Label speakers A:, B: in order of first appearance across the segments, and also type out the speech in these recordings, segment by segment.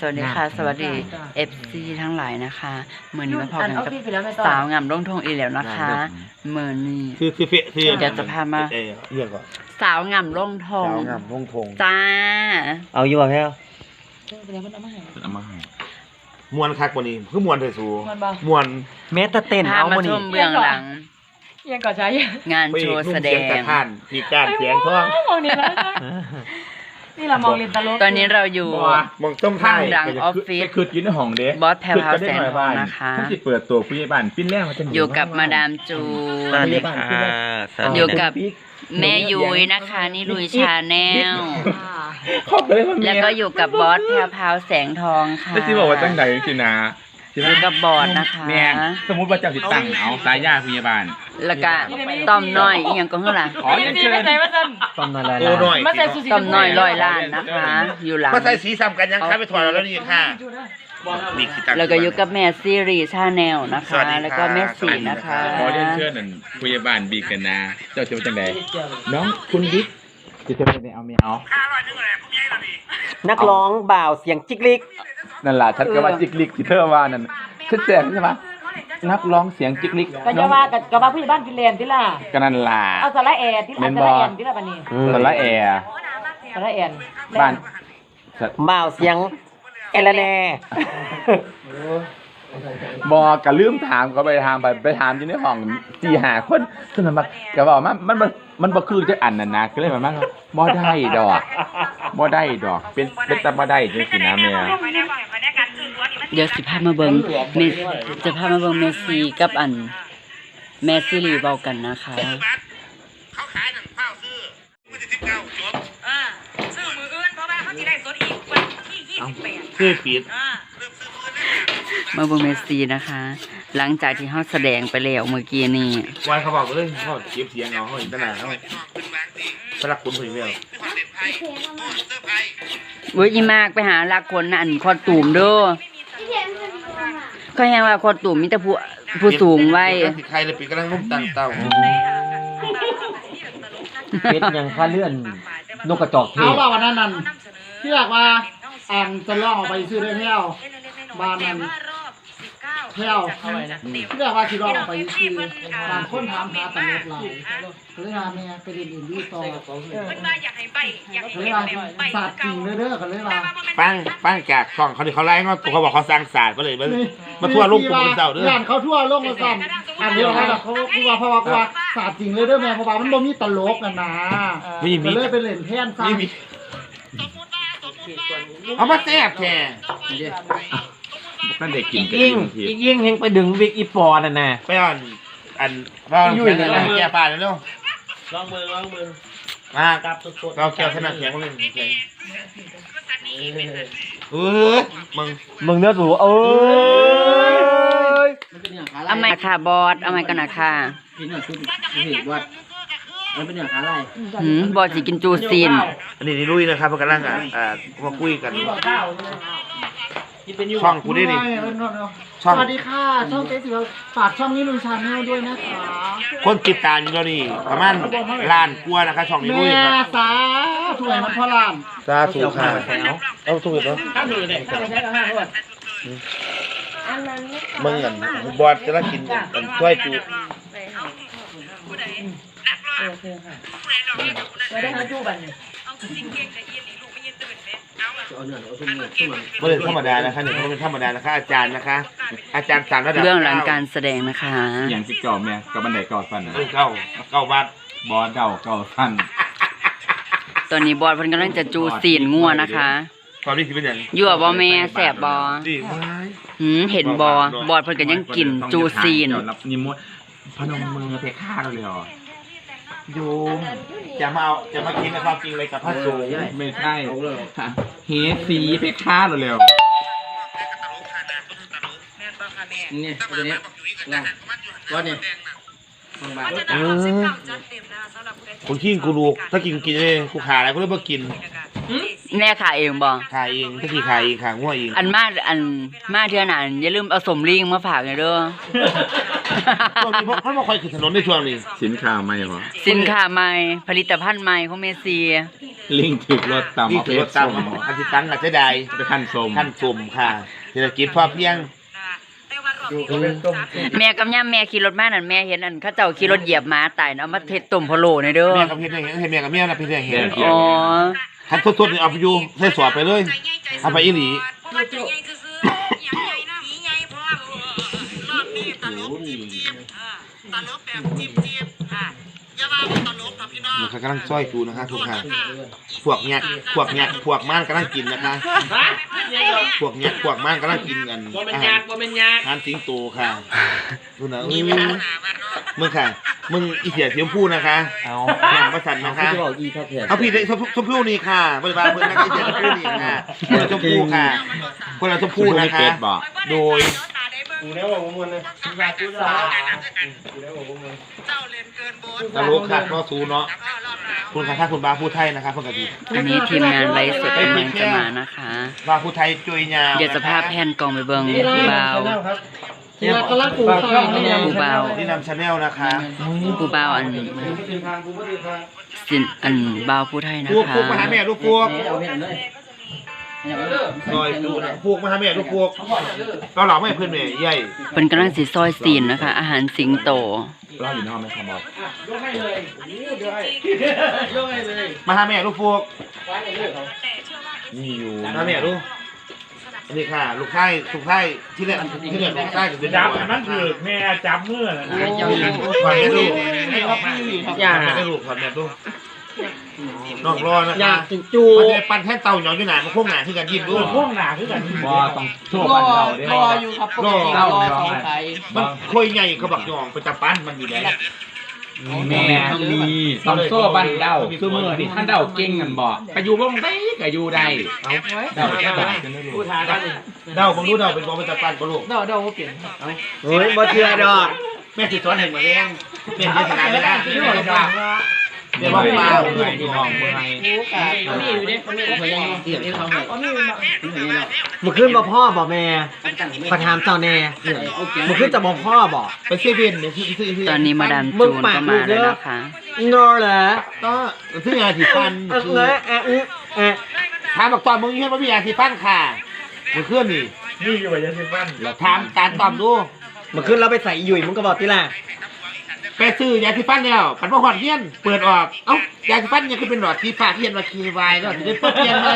A: วัสดีค่ะสวัสดี FC ทั้งหลายนะคะเมื่อนี้มาพบกันกับสาวงามร่งทงอีแล้วนะคะเมื่อนี้เดี๋ยวจะพามา
B: เรียกก่อน
A: สาวงามร่งทง
B: สาวงามร่งทง
A: จ้า
C: เอาอยู่ป่ะแพ้ว
B: เอามาให้มวนคักกว่านี้คือมวนเถอะสูมวน
C: แม้แต่เต้นเอา
A: มาชมเบื้องหลัง
D: ยังก่อนใช้
A: งานโชว์แสดง
B: มีการเสียงท่อง
D: นี่เรามองเรียนตลก
A: ตอนนี้เราอยู่ข้างดังออฟฟิศ
E: คืออยู่ในห้องเด้
A: บอสแพรวพราวแสงทองนะคะ
E: ที่เปิดตัวผู้ใหญ่บ้านปิ้นแรกมาจะ
A: อยู่กับมาดามจูอยู่กับแม่ยุ้ยนะคะนี่ลุยชาแนลแล้วก็อยู่กับบอสแพรวพราวแสงทองค่ะ
E: ที่บอกว่าตั้งไหนสินะ
A: อยู่กับบอสนะคะ
E: แม่สมมุติว่าเจ้าสิตั้งเอาสายญาผู้ใหญ่บ้าน
A: แล้วก็ต้อมน้อยอีหยังก็ข้างหลัง
E: ขอเชิญ
C: ต้มน้อย
A: ต้มน้อย100 ล้านนะคะอยู่หลัง
B: มาใส่สีซ้ำกันยังค้าไปถอดแล้วนี่ค่ะ
A: แล้วก็อยู่กับแม่ซีรีส์ชาแนลนะคะแล้วก็แม่สีนะคะ
E: ขอเชิญนั่นผู้ใหญ่บ้านบีกันนะเจ้าจะเป็นจังไดน้องคุณบิ๊กจะเป็นเอาไม่เอา
C: นักร้องบ่าวเสียงจิกลิก
E: นั่นล่ะฉันก็ว่าจิกลิกที่เธอว่านั่นฉันแจ้งใช่ไหมนักร้องเสียงจิกลิก
D: ก็จะว่ากับว่าผู้ใหญ่บ้านฟินแลนด์ที่ล่ะ
E: ก็นั่นล่ะ
D: เอาสาระแอร์ที่ล่ะสาระแอร์ที่ล่ะปะนี่
E: สาระแอร์
D: สาระแอร์
C: บ้านบ่าวเสียงเอลแน่
E: บอกก็ลืมถามก็ไปถามอยู่ในห้อง4-5 คนคือมันก็บอกมันบ่คือจักอันนั่นนะก็เลยมันบ่ได้ดอกเป็นตาบ่ได้จังซี่นะแม่
A: เดี๋ยวสิพามาเบิ่งจะพามาเบิ่งเมสซี่กับอันแม่ซีรีส์เว้ากันนะคะ
B: เขาขายหนังเฝ้าซื้อวันที่19จบ
D: ซื้อมืออื่นเพราะว่าเขาสิได้สดอีกวันที่28
B: ซื้อปิด
A: มาเบิ่งเมสซี่นะคะ หลังจากที่เฮาแสดงไปแล้วเมื่อกี้นี้
B: วันเขาบอกเลยเขาเก็บเสียงเอาเขาเห็นตลาดเขาสลักคุณถึงแล้ว
A: เว้ยอีมากไปหาลักคนอันคอตูมเด้อก็แฮงว่าคอตูมมีแต่ผู้สูงไว้
B: ใครเลยปีกำลังนุ่มตั้งเต้า
C: เป็ดยังพาเลื่อนนกกระจอกเทศ
D: เอาว่าวันนั้นที่อยากว่าจะล่องออกไปซื้อได้แพ้วบ้านนั้นแพ้วที่อยากว่าที่ล่องออกไปซื้อบางคนถามหาตำรวจหลายก็เลยว่าแม่ไปเรียนอื่นดีต่อก็เลยว่าศาสตร์จริงเด้อก็เลยว่า
B: ปั้งจากช่องเขาไล่เขาบอกเขาสร้างศาสตร์ก็เลยมาทั่วโลกกลุ่มเจ้าเด้อ
D: เขาทั่วโลกมาสั่นอันเดียวกันเขาคือว่าเพราะว่าศาสตร์จริงเลยเด้อแม่เพราะว่ามันบ่มีตลกกันนะก็เลยไปเล่นแทนซะ
B: เอามาแซ่บแค่
E: นั่นเด็กกิน
C: ยิ่งเฮงไปดึงวิกอีปอนั่นน่ะ
B: ไปอันว่าแก่ป่าแล้วลองมือมาเราแก้วขนาดแข็งเลย
C: มึงเนื้อสู
A: เอาไมค่ะบอสเอาไมกันนะค่ะบอสสิกินจูซีน
B: อันนี้ลุยนะครับพวกกำลังมาคุยกันช่องกูได้ดิ
D: สวัสดีค่ะช่องเจ๊สิฝากช่องนี้ลุยชาแนลด้วยนะคะ
B: คนติดตามอยู่แล้วนี่ประมาณล้านกว่านะคะช่องนี้ลุยครับ
D: สาธุให้มันพอล้าน
B: สาธุค่ะเอาถูกเหรอมึงกันบอสจะรักกินกันช่วยจู
D: ไม่ได้ให้จูบัน
B: ไม่เป็นธรรมดานะคะนี่ไม่เป็นธรรมดานะคะอาจารย์นะคะอาจารย์สามระดับ
A: เรื่องหลังการแสดงนะคะ
E: อย่างที่เก่าแม่กับบันไดเก่าสั้นนะ
B: เก่าบาท
E: บอสเก่าสั้น
A: ตอนนี้บอสเพิ่นกำลังจะจูซีนงัวนะคะ
B: ตอนนี้คือเป็นอย่าง
A: ยั่วบ่แม่แสบบอเห็นบอสเพิ่นก็ยังกินจูซีน
E: นิมนต์พนมมือเพค่าเราเลย
B: โยมจะมากินในความจริงเลยกับพระสงฆ์
E: ไม่ใช่เฮสีเพค่าเราเร็ว
C: นี่ตัวนี้ว่าเนี่ย
B: คนขี้กูรู้ถ้ากินเลยกูขาอะไรกูเลยบ่กิน
A: แม่ขาเองบ่
B: ขาเองถ้ากี่ขาเองขาง่วงเอง
A: อันมาเทื่อนั้นอย่าลืมเอาสมลิงมาฝากเด้อ
B: ช่วงนี้เพราะมาคอยขึ้นถนนในช่วงนี้
E: สินค้าใหม่เหรอ
A: สินค้าใหม่ผลิตภัณฑ์ใหม่ของเมซี่
E: ลิงถึกรถตาม
B: นี่
E: เอาไป
B: คือรถตามอันที่ตั้งอาจจะได้
E: ไปขั้นสม
B: ขั้นสุ่มค่ะเศรษฐกิจพอเพียง
A: แม่กับย่าแม่ขี่รถมานั่นแม่เห็นอันเขาเจ้าขี่รถเหยียบม้าตายเอามาเทต้มพะโล้ในเด้อ
B: แม่กับพี่เนี่ยเห็นแม่กับเมียนะพี่เนี่ยเห็น
A: อ๋อ
B: คันสดๆนี่เอาไปอยู่ใส่สอบไปเลยเอาไปอีหลี มันกำลังซ้อยจูนะคะทุกท่านพวกเนี้ยพวกม่านกำลังกินนะคะพวกม่านกำลังกินกันอาหารสิงโตค่ะดูนะมึงค่ะมึงอีเสียเสียมพูนะคะแข่งประสันนะคะเอาพี่ชมพู่นี่ค่ะบริบาลเพื่อนนะคะอีเสียชมพู่นี่ค่ะคนละชมพู่ค่ะคนละชมพู่นะคะโดยตลกค่ะก็ซูเนาะคุณค่ะถ้าคุณบาพูดไทยนะครับเพื่อนกะดี
A: อันนี้ทีมงานไลฟ์สดกำลังจะมานะคะ
B: บาพูดไทยจุยยาว
A: เดี๋ยวสภาพแผ่นกล่องไปเบิ่งผู้บ่าว
D: เรากำลังปลูกข้าวนี่
A: ผู้บ่าว
B: นี่นำชาแนลนะคะ
A: ผู้บ่าวอันสินอันบ่าวผู้ไทยนะ
B: พวก
A: คะ
B: มาหาแม่ลูกพวกซอยดูนะพวกมาหาแม่ลูกพวกก็หลอกไม่เพื่อนแม่ใหญ่
A: เพิ่นกำลังสิซอยซีนนะคะ อาหารสิงโต
E: รออยู่ในห้องไหมครับบอส
B: มาหาแม่ลูกพวก
E: มีอยู่
B: มาแม่ลูกนี่ค่ะลูกไข่ที่เรียกลูกไข่กับเป็น
F: จับนั่นคือแม่จับมือนะ
B: ผ่อนแม่ลูกอย่าแม่ลูกผ่อนแม่ลูกนอกรอนะคะ
D: จู
B: มันจะปั่นแท่นเต่าหยองอยู่ไหนมาโค้งหนาที่กันยิ้มด้วย
F: พวกหนาคือกัน
E: บอสต้องโชว์บันเราด้วย
D: รออยู่ครับปกติรอสองไข่
B: มันค่อยใหญ่เขาบักหยองเป็นตะปั้นมันอยู่แล้ว
E: แม่มีต้องโซ่บันเดาคือมือนี่ท่านเดาเก่งกันบ่กระยูบ้งได้กระยูได้เดาแค่ไหนกันไม่รู้
B: เดาผมรู้เดาเป็นบอลเป็นตะปั้นปะลูก
D: เดาว่าเปลี่ยน
C: เฮ้ยบ่เชื่อดอก
B: แม่ติดซ้อนเห็นหมดแรงแม่ติดขนาดไม่ได้แม่บอกว่าแม่บอกว่า
E: เมื่อที่ห้องเมื่อไง
D: มีอยู่เนี่ยมีอะไรยังเสียบที่เขาให้
C: มึงขึ้นบ่พ่อบ่แม่ขอถามเจ้าแน่มึงขึ้นจะบ่พ่อบ่
B: ไปเซเว่นเนี่ยที่
A: ตอนนี้มาดามจูนก็มาแล้วนะคะ
C: โนเหรอ
B: ก็ซื้อยาสีฟันถามบอกตอนมึงยืนว่ามียาสีฟันค่ะมึงเคลื่อนนี่
F: นี่อยู่กับยาสีฟัน
B: ถามการตอบดู
C: มึงขึ้นแล้วไปใส่หยุ่ยมึงก็บอกที่ละ
B: ไปซื้อยาสีฟันแล้วปันบ่หอดเงี้ยนเปิดออกเอ้ายาสีฟันยังคือเป็นหลอดสีฟ้าเทียนว่าคีวายแล้วถึงได้เปิดเทียนไหม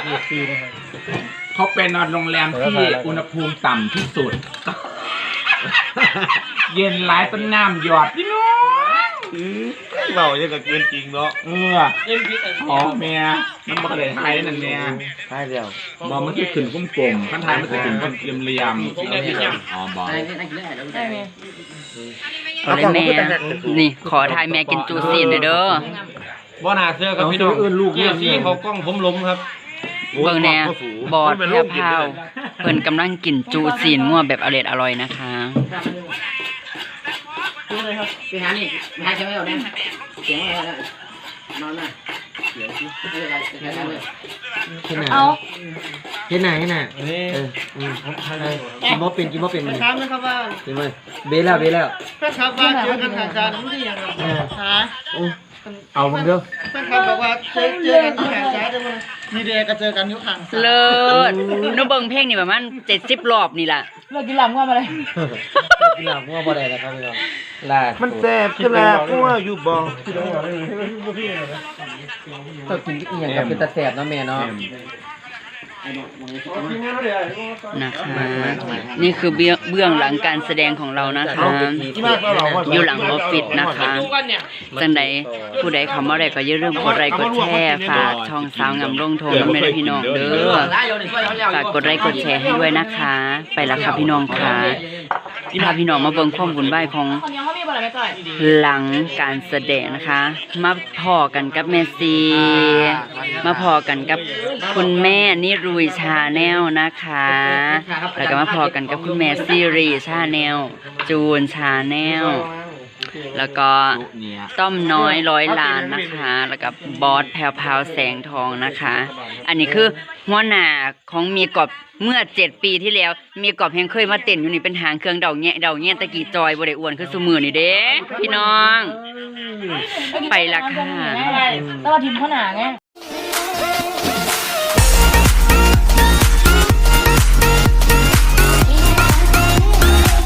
E: เขาเป็นนอนโรงแรมที่อุณหภูมิต่ำที่สุด เย็นหลายต้นน้ำหยอดพี่น้อง
B: เราเนี่ยก็เกินจริงเนาะ
E: อ๋อแม่มันบอกเลยไทยนั่นแม่
B: ใช่แล้ว
E: บอมันคือขึ้นกลมๆขั้นไทยมันจะขึ้นเป็นเหลี่ยมๆอ๋อบอ
A: เอาเลยแม่ นี่ขอทายแม่กินจูซีนหน่อยเด้อ
C: บ่น่าเชื่อกับพี่น้องลูกเนี่ยซี่เขากล้องผมล้มครับ
A: เบิ่งแน่บอดแพร่พาวเพิ่นกำลังกินจูซีนงัวแบบอร่อยนะคะ
D: ไปหานี่ไปหาใช่ไหมเอาเนี่ยเสียงอะไรนอนน่ะเดี๋ยวไม่เป็นไรแค่นั้นเลย
C: เห็นไหนเห็นไหนกินบ่เป็นมัน
D: ครับนะครับว่า
C: กินบ่เบลแล้ว
D: แฟนคลับว่าเจอกันทางการนี่ยังหา
C: เอามึงเด้อ
D: แฟนคลับบอกว่าเจอกันที่ทางซ้ายได้มั้ยมีเดย์ก็เจอกันอยู่ทางซ้าย
A: เลิศหนูเบิ่งเพลงนี่ประมาณ70 รอบนี่ล่ะ
D: เลิกกินหลับง่วงมาเลย
C: กินหลับงัวบ่ได้แล้วครับพี่น้องลา
B: มันแซ่บขึ้นแล้วกูว่าอยู่บ่
C: ต้องกินอีหยังกับเป็นตาแสบเนาะแม่เนาะ
A: นะคะ นี่คือเบื้องหลังการแสดงของเรานะคะ อยู่หลังออฟฟิศนะคะจังใดผู้ใดเข้ามาได้ก็อย่าลืมกดไลค์กดแชร์ฝากช่องสาวงามลงโทงน้ำแม่พี่น้องเด้อฝากกดไลค์กดแชร์ให้ด้วยนะคะ ไปแล้วค่ะพี่น้องค่ะพาพี่น้องมาเบิ่งความวุ่นวายของหลังการแสดงนะคะ มาพอกันกับแม่ซีมาพอกันกับคุณแม่นิรุยชาแนลนะคะ แล้วก็มาพอกันกับคุณแม่ซีรีชาแนลจูนชาแนลแล้วก็ต้อมน้อย100 ล้านนะคะ แล้วก็บอสแพรวพราวแสงทองนะคะ อันนี้คือหัวหน้าของมีกอบเมื่อ7 ปีที่แล้วมีกอบแห่งเคยมาเต้นอยู่นี่เป็นหางเครื่องเดาแง่ตะกี้จอยบ่ได้อ้วนคือซุมื้อนี่เด้พี่น้อง ไปละค่ะ
G: แล้วเราทีมข้าวหนาไง